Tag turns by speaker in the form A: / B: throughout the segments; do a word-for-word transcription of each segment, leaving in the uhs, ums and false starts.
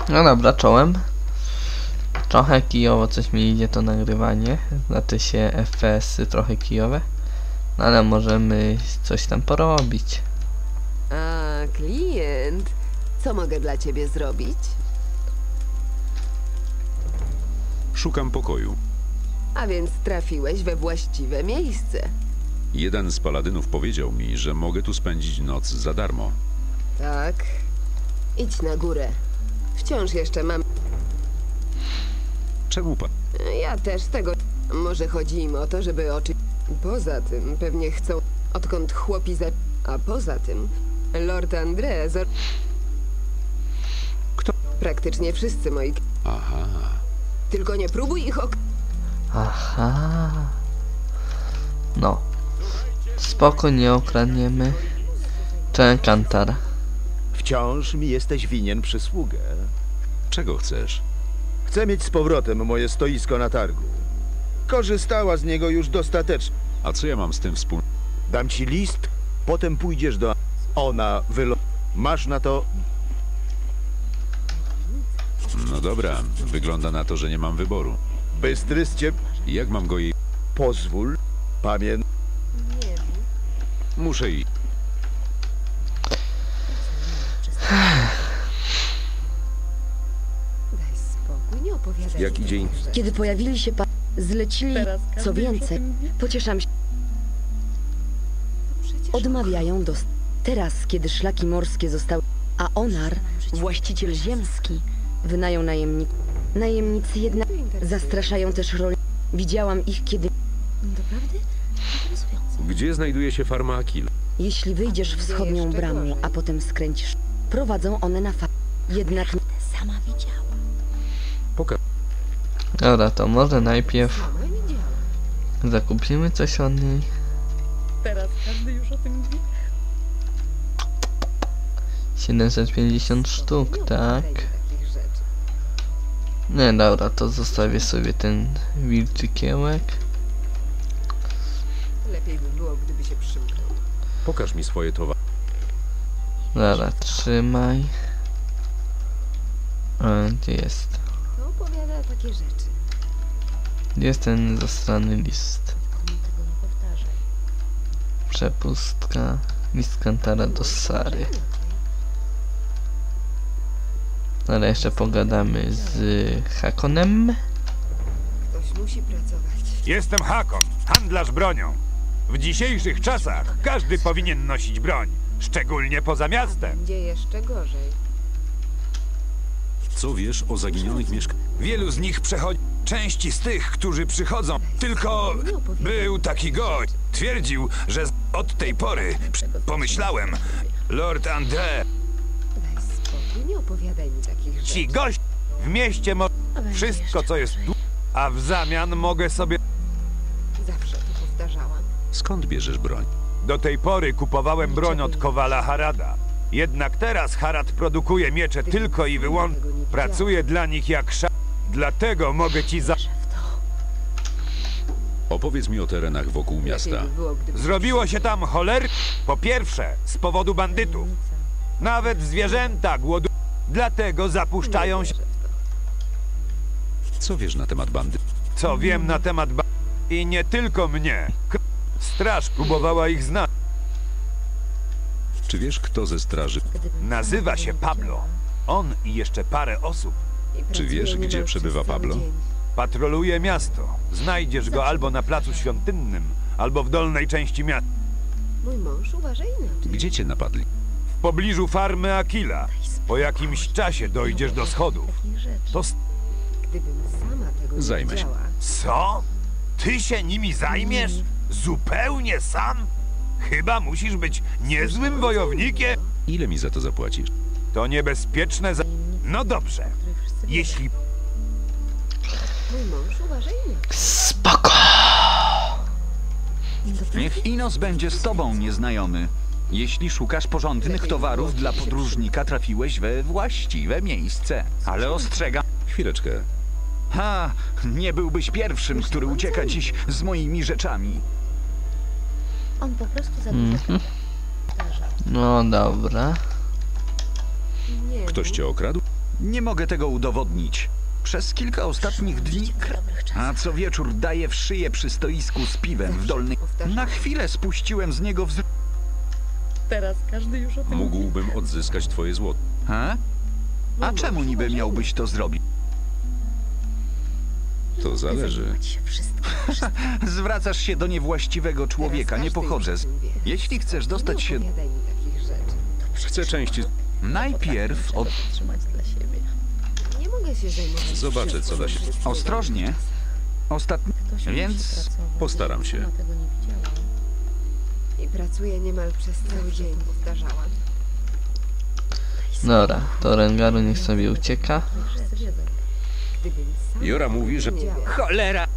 A: No dobra, czołem. Trochę kijowo coś mi idzie to nagrywanie. Znaczy się F P S-y trochę kijowe. No ale możemy coś tam porobić.
B: A, klient. Co mogę dla ciebie zrobić?
C: Szukam pokoju.
B: A więc trafiłeś we właściwe miejsce.
C: Jeden z paladynów powiedział mi, że mogę tu spędzić noc za darmo.
B: Tak. Idź na górę. Wciąż jeszcze mam...
C: Czemu pan?
B: Ja też tego... Może chodzi im o to, żeby oczy... Poza tym pewnie chcą... Odkąd chłopi za... A poza tym... Lord André... Zor...
C: Kto?
B: Praktycznie wszyscy moi...
C: Aha.
B: Tylko nie próbuj ich ok...
A: Aha. No. Spoko, nie okradniemy. Czekantar.
D: Wciąż mi jesteś winien przysługę.
C: Czego chcesz?
D: Chcę mieć z powrotem moje stoisko na targu. Korzystała z niego już dostatecznie.
C: A co ja mam z tym wspólnego?
D: Dam ci list, potem pójdziesz do... Ona wylo... Masz na to...
C: No dobra, wygląda na to, że nie mam wyboru.
D: Bystry z ciebie...
C: Jak mam go jej...
D: Pozwól. Pamię...
C: Muszę iść.
B: Daj spokój, nie opowiadaj.
D: Jak idzie...
E: Kiedy pojawili się pa... zlecili, co więcej, pocieszam się,
B: Przecież
E: odmawiają do... Teraz, kiedy szlaki morskie zostały... A Onar, właściciel ziemski, wynajął najemników. Najemnicy jednak zastraszają też roli. Widziałam ich, kiedy...
F: Doprawdy? Interesujące.
G: Gdzie znajduje się farma Akil?
E: Jeśli wyjdziesz wschodnią
B: jeszcze
E: bramą,
B: gorzej.
E: a potem skręcisz, prowadzą one na fa... Jednak
F: Sama widziała.
G: Pokaż.
A: Dobra, to może najpierw
B: sama widziałam.
A: zakupimy coś od niej.
F: Teraz każdy już o tym wie.
A: siedemset pięćdziesiąt sztuk,
B: Nie
A: tak.
B: opowiadaj mi takich rzeczy.
A: Nie, dobra, to zostawię sobie ten wilczy kiełek.
B: Lepiej by było, gdyby się przymknął.
G: Pokaż mi swoje towary.
A: Dobra, trzymaj. A, gdzie jest?
B: Kto opowiada takie rzeczy?
A: Gdzie jest ten zastrany list?
F: Komu tego nie powtarzaj.
A: Przepustka. List Kantara do Sary. Ale jeszcze pogadamy z Hakonem.
B: Ktoś musi pracować.
H: Jestem Hakon, handlarz bronią. W dzisiejszych czasach każdy powinien nosić broń, szczególnie poza miastem.
B: Będzie jeszcze gorzej.
C: Co wiesz o zaginionych mieszkańcach?
H: Wielu z nich przechodzi. Części z tych, którzy przychodzą, tylko był taki gość. Twierdził, że od tej pory przy- pomyślałem, Lord André,
B: Daj spokój, nie opowiadaj mi takich rzeczy.
H: ci gość w mieście ma wszystko, co jest tu, a w zamian mogę sobie...
B: Zawsze to powtarzałam.
C: Skąd bierzesz broń?
H: Do tej pory kupowałem broń od Kowala Harada. Jednak teraz Harad produkuje miecze tylko i wyłącznie. Pracuje dla nich jak sza... Dlatego mogę ci za...
C: Opowiedz mi o terenach wokół miasta.
B: Lepiej by było, gdyby...
H: Zrobiło się tam choler... Po pierwsze, z powodu bandytów. Nawet zwierzęta głodu... Dlatego zapuszczają się...
C: Co wiesz na temat bandy?
H: Co wiem na temat ba... I nie tylko mnie. K- Straż próbowała ich znać.
C: Czy wiesz, kto ze straży?
H: Nazywa się Pablo. On i jeszcze parę osób.
C: Czy wiesz, gdzie przebywa Pablo?
H: Patroluje miasto. Znajdziesz go albo na placu świątynnym, albo w dolnej części miasta.
B: Mój mąż uważa inaczej.
C: Gdzie cię napadli?
H: W pobliżu farmy Akila. Po jakimś czasie dojdziesz do schodów. To... s-
B: Gdybym sama tego nie
C: Zajmę się.
B: widziała.
H: Co? Ty się nimi zajmiesz? Zupełnie sam? Chyba musisz być niezłym wojownikiem.
C: Ile mi za to zapłacisz?
H: To niebezpieczne za... No dobrze. Jeśli...
B: Mój mąż uważa inaczej.
A: Spoko!
I: Niech Inos będzie z tobą, nieznajomy. Jeśli szukasz porządnych towarów dla podróżnika, trafiłeś we właściwe miejsce. Ale ostrzegam...
C: Chwileczkę.
I: Ha! Nie byłbyś pierwszym, który ucieka dziś z moimi rzeczami.
F: On po prostu za dużo
A: Mhm. No dobra.
B: Nie,
C: Ktoś cię okradł?
I: Nie mogę tego udowodnić. Przez kilka ostatnich dni, a co wieczór daję w szyję przy stoisku z piwem w dolnej. Na chwilę spuściłem z niego wzrok.
F: Teraz każdy już o tym mówi.
C: Mógłbym odzyskać twoje złoto.
I: Ha? A czemu niby miałbyś to zrobić?
C: To zależy.
F: Zajmować się wszystkim.
I: Zwracasz się do niewłaściwego człowieka, nie pochodzę z... Jeśli chcesz dostać się...
B: Nie opowiadaj mi takich rzeczy.
C: Chcę części...
I: Najpierw od...
F: Trzymać dla siebie.
B: Nie mogę się zajmować.
C: Zobaczę, co da się...
I: Ostrożnie. Ostatni...
F: Ktoś
I: Więc
F: musi pracować.
C: postaram się.
F: Ona tego nie widziała.
B: I pracuję niemal przez cały dzień, powtarzałam.
A: Dobra, to Rengaru niech sobie ucieka.
F: Wszyscy wiedzą.
B: Gdybym sam
C: Jora mówi, że...
I: Cholera!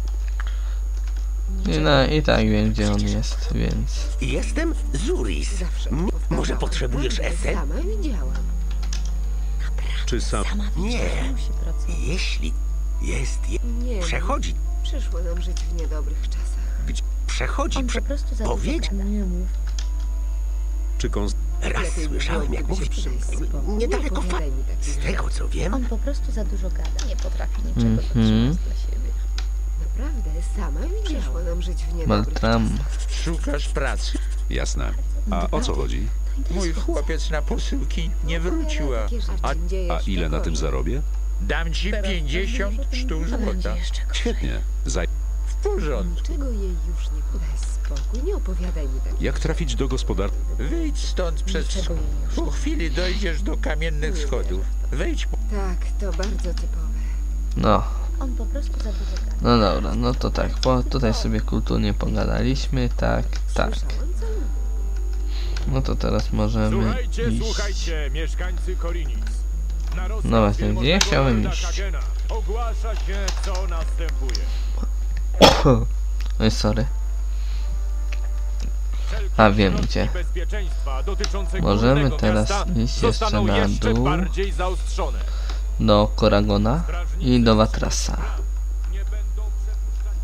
A: I, no, i tak wiem, gdzie on jest, więc...
J: Jestem Zuris.
B: zawsze
J: M-
B: powtarzałam.
J: może potrzebujesz
B: Naprawdę,
J: esen?
B: Sama widziałam.
C: Czy sam...
F: Sama
J: Nie.
F: wiedziała, że musi pracować.
J: Jeśli jest... Je...
B: Nie,
J: Przechodzi.
B: przyszło nam żyć w niedobrych czasach.
J: Gdzie... Przechodzi...
F: On
J: Prze...
F: po prostu za
J: Powiedz-
F: dużo nie mów.
C: Czy kons...
J: Raz
B: Lepiej by
J: słyszałem,
B: było,
J: jak
B: gdyby się
J: mówisz.
B: przynajmniej spokój.
J: Niedaleko
B: Nie
J: fa...
B: opowiadaj mi takich
J: Z tego, co wiem...
F: On po prostu za dużo gada. Nie potrafi niczego
A: Mhm.
F: zatrzymać dla siebie.
B: Naprawdę, sama widziałam. Przyszło nam żyć w niedobrych
A: Maltram.
B: czasach.
K: Szukasz pracy?
C: Jasne. A o co chodzi?
K: Mój chłopiec na posyłki nie wrócił, a
B: Takie rzeczy
K: a
B: dzieje
C: A
B: się
C: ile na tym
B: gorzej.
C: zarobię?
K: dam ci
F: Teraz
K: pięćdziesiąt
F: każdy już o tym
K: sztuk
F: mówi. A będzie
K: złota.
F: jeszcze gorzej.
C: Świetnie. Zaj...
K: W porządku.
B: Niczego jej już nie podaj spokój. Nie opowiadaj mi tak.
C: Jak trafić do gospodar...
K: Wyjdź stąd przez...
F: Niczego jej już
K: Po chwili dojdziesz do kamiennych schodów. Wejdź po...
B: Tak, to bardzo typowe.
A: No,
F: On po prostu za dużo gada.
A: no dobra, no to tak, bo tutaj sobie kulturnie pogadaliśmy, tak, tak.
B: Słyszałam, co mówił.
A: No to teraz możemy
L: Słuchajcie,
A: iść.
L: słuchajcie, mieszkańcy Korinic. Na rozkaz
A: No właśnie,
L: wielmożnego
A: gdzie ja chciałem
L: lorda
A: iść?
L: Kagena ogłasza się, co następuje.
A: Oj, sorry.
L: Wszelkie
A: A, wiem
L: środki
A: gdzie.
L: bezpieczeństwa dotyczące
A: Możemy
L: górnego
A: teraz
L: miasta
A: iść jeszcze
L: zostaną
A: na
L: jeszcze
A: dół.
L: bardziej zaostrzone.
A: Do Koragona i do Watrasa.
L: Nie będą przepuszczać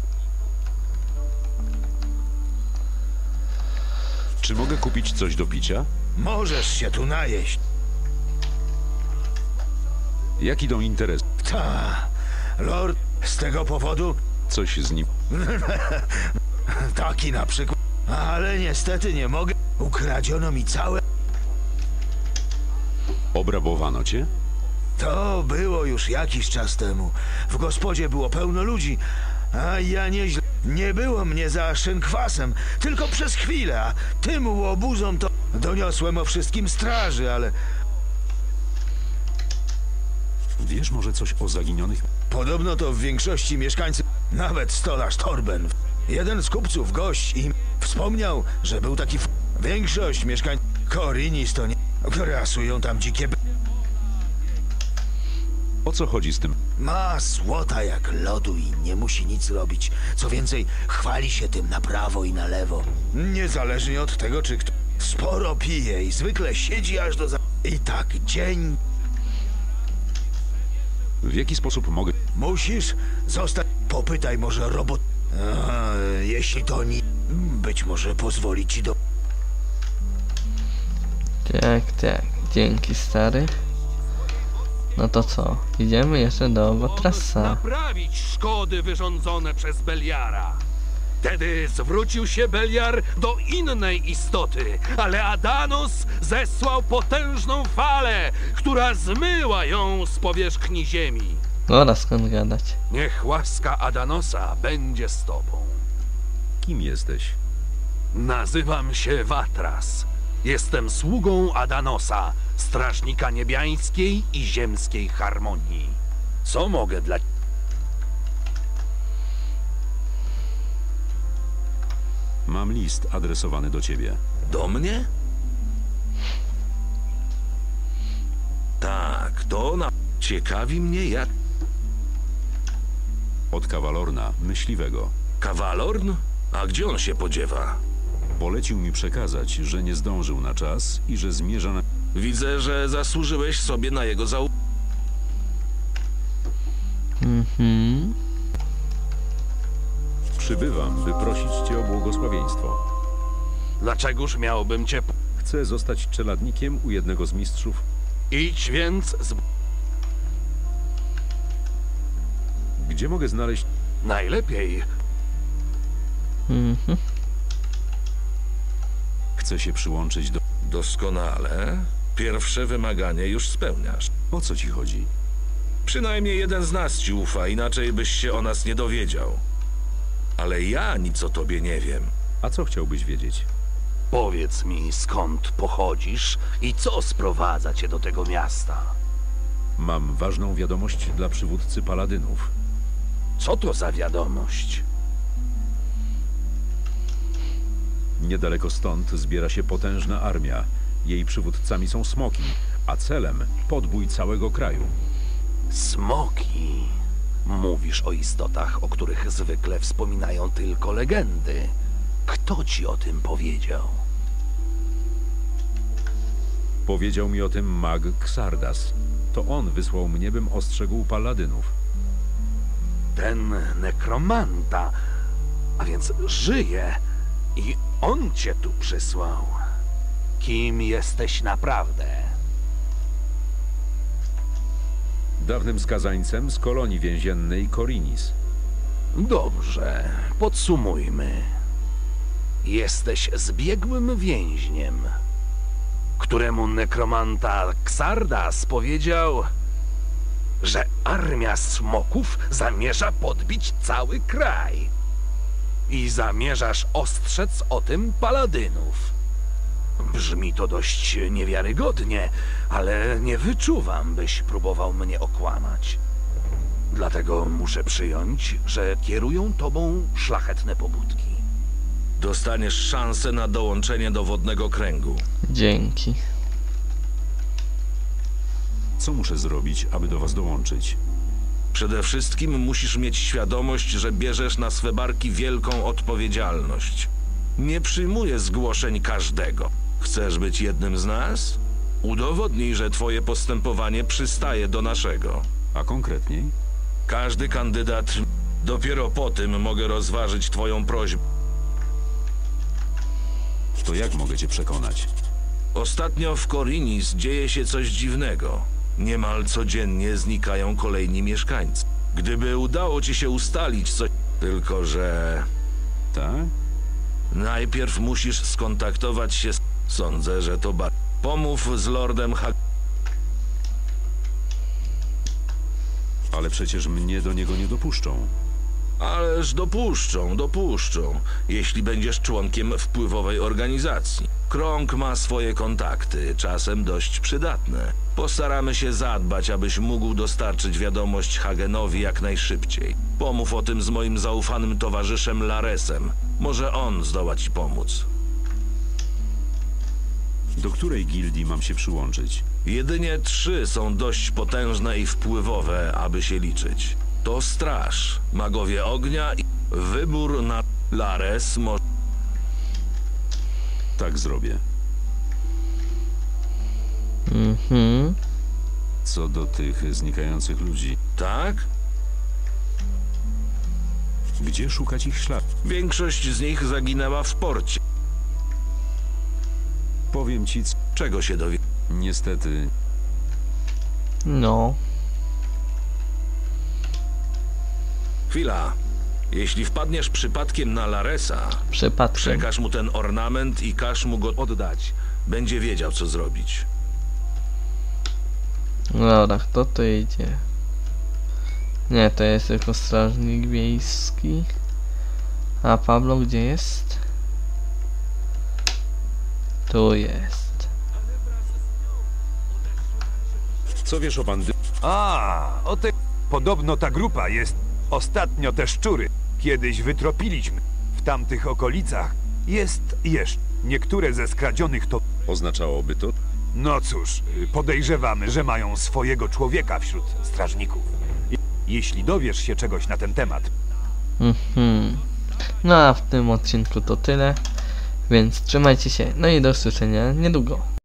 C: Czy mogę kupić coś do picia?
D: Możesz się tu najeść.
C: Jak idą interesy?
D: Ta, lord, z tego powodu
C: Coś z nim...
D: taki na przykład. Ale niestety nie mogę. Ukradziono mi całe.
C: Obrabowano cię?
D: To było już jakiś czas temu. W gospodzie było pełno ludzi, a ja nieźle. Nie było mnie za szynkwasem, tylko przez chwilę, a tym łobuzom to doniosłem o wszystkim straży, ale
C: Wiesz może coś o zaginionych...
D: podobno to w większości mieszkańcy, nawet stolarz Torben. Jeden z kupców, gość, im wspomniał, że był taki f... Większość mieszkańców Korinis to nie... Grasują tam dzikie b...
C: O co chodzi z tym?
D: Ma złota jak lodu i nie musi nic robić. Co więcej, chwali się tym na prawo i na lewo. Niezależnie od tego, czy kto sporo pije i zwykle siedzi aż do za... I tak dzień...
C: W jaki sposób mogę...
D: Musisz zostać... Popytaj może robot... A, jeśli to nie... Być może pozwoli ci do...
A: Tak, tak, dzięki stary. No to co, idziemy jeszcze do Watrasa.
M: Naprawić szkody wyrządzone przez Beliara. Wtedy zwrócił się Beliar do innej istoty, ale Adanos zesłał potężną falę, która zmyła ją z powierzchni ziemi.
A: Ora, skąd gadać?
M: Niech łaska Adanosa będzie z tobą.
C: Kim jesteś?
M: Nazywam się Watras. Jestem sługą Adanosa, strażnika niebiańskiej i ziemskiej harmonii. Co mogę dla...
C: Mam list adresowany do ciebie.
M: Do mnie? Tak, to na... Ciekawi mnie jak...
C: Od Kawalorna, myśliwego.
M: Kawalorn? A gdzie on się podziewa?
C: Polecił mi przekazać, że nie zdążył na czas i że zmierza na...
M: Widzę, że zasłużyłeś sobie na jego zau...
A: Mhm.
C: Przybywam, by prosić cię o błogosławieństwo.
M: Dlaczegoż miałbym cię...
C: Chcę zostać czeladnikiem u jednego z mistrzów.
M: Idź więc z...
C: Gdzie mogę znaleźć...
M: Najlepiej.
A: Mhm.
C: Chcę się przyłączyć do...
M: Doskonale. Pierwsze wymaganie już spełniasz.
C: O co ci chodzi?
M: Przynajmniej jeden z nas ci ufa, inaczej byś się o nas nie dowiedział. Ale ja nic o tobie nie wiem.
C: A co chciałbyś wiedzieć?
J: Powiedz mi, skąd pochodzisz i co sprowadza cię do tego miasta?
C: Mam ważną wiadomość dla przywódcy paladynów.
J: Co to za wiadomość?
C: Niedaleko stąd zbiera się potężna armia. Jej przywódcami są smoki, a celem podbój całego kraju.
J: Smoki. Mówisz o istotach, o których zwykle wspominają tylko legendy. Kto ci o tym powiedział?
C: Powiedział mi o tym mag Xardas. To on wysłał mnie, bym ostrzegł paladynów.
J: Ten nekromanta, a więc żyje i on cię tu przysłał. Kim jesteś naprawdę?
C: Dawnym skazańcem z kolonii więziennej Korinis.
J: Dobrze, podsumujmy. Jesteś zbiegłym więźniem, któremu nekromanta Xardas powiedział, że armia smoków zamierza podbić cały kraj. I zamierzasz ostrzec o tym paladynów. Brzmi to dość niewiarygodnie, ale nie wyczuwam, byś próbował mnie okłamać. Dlatego muszę przyjąć, że kierują tobą szlachetne pobudki.
M: Dostaniesz szansę na dołączenie do Wodnego Kręgu.
A: Dzięki.
C: Co muszę zrobić, aby do was dołączyć?
M: Przede wszystkim musisz mieć świadomość, że bierzesz na swe barki wielką odpowiedzialność. Nie przyjmuję zgłoszeń każdego. Chcesz być jednym z nas? Udowodnij, że twoje postępowanie przystaje do naszego.
C: A konkretniej?
M: Każdy kandydat... Dopiero po tym mogę rozważyć twoją prośbę.
C: To jak mogę cię przekonać?
M: Ostatnio w Korinis dzieje się coś dziwnego. Niemal codziennie znikają kolejni mieszkańcy. Gdyby udało ci się ustalić coś... Tylko że...
C: Tak?
M: Najpierw musisz skontaktować się z... Sądzę, że to ba... Pomów z Lordem Hag...
C: Ale przecież mnie do niego nie dopuszczą.
M: Ależ dopuszczą, dopuszczą, jeśli będziesz członkiem wpływowej organizacji. Krąg ma swoje kontakty, czasem dość przydatne. Postaramy się zadbać, abyś mógł dostarczyć wiadomość Hagenowi jak najszybciej. Pomów o tym z moim zaufanym towarzyszem Laresem. Może on zdoła ci pomóc.
C: Do której gildii mam się przyłączyć?
M: Jedynie trzy są dość potężne i wpływowe, aby się liczyć. To Straż, Magowie Ognia i wybór na Lares może...
C: Tak zrobię.
A: Mhm.
C: Co do tych znikających ludzi.
M: Tak?
C: Gdzie szukać ich śladów?
M: Większość z nich zaginęła w porcie.
C: Powiem ci, c...
M: czego się dowie...
C: Niestety...
A: No.
M: Chwila. Jeśli wpadniesz przypadkiem na Laresa,
A: Przypadkiem.
M: przekaż mu ten ornament i każ mu go oddać. Będzie wiedział, co zrobić.
A: Dobra, kto to idzie? Nie, to jest tylko strażnik wiejski. A Pablo gdzie jest? Tu jest.
C: Co wiesz o bandy...
H: A, o te... Podobno ta grupa jest... Ostatnio te szczury. Kiedyś wytropiliśmy. W tamtych okolicach jest jeszcze. Niektóre ze skradzionych to...
C: Oznaczałoby to?
H: No cóż, podejrzewamy, że mają swojego człowieka wśród strażników. Jeśli dowiesz się czegoś na ten temat...
A: Mhm. No a w tym odcinku to tyle. Więc trzymajcie się. No i do usłyszenia niedługo.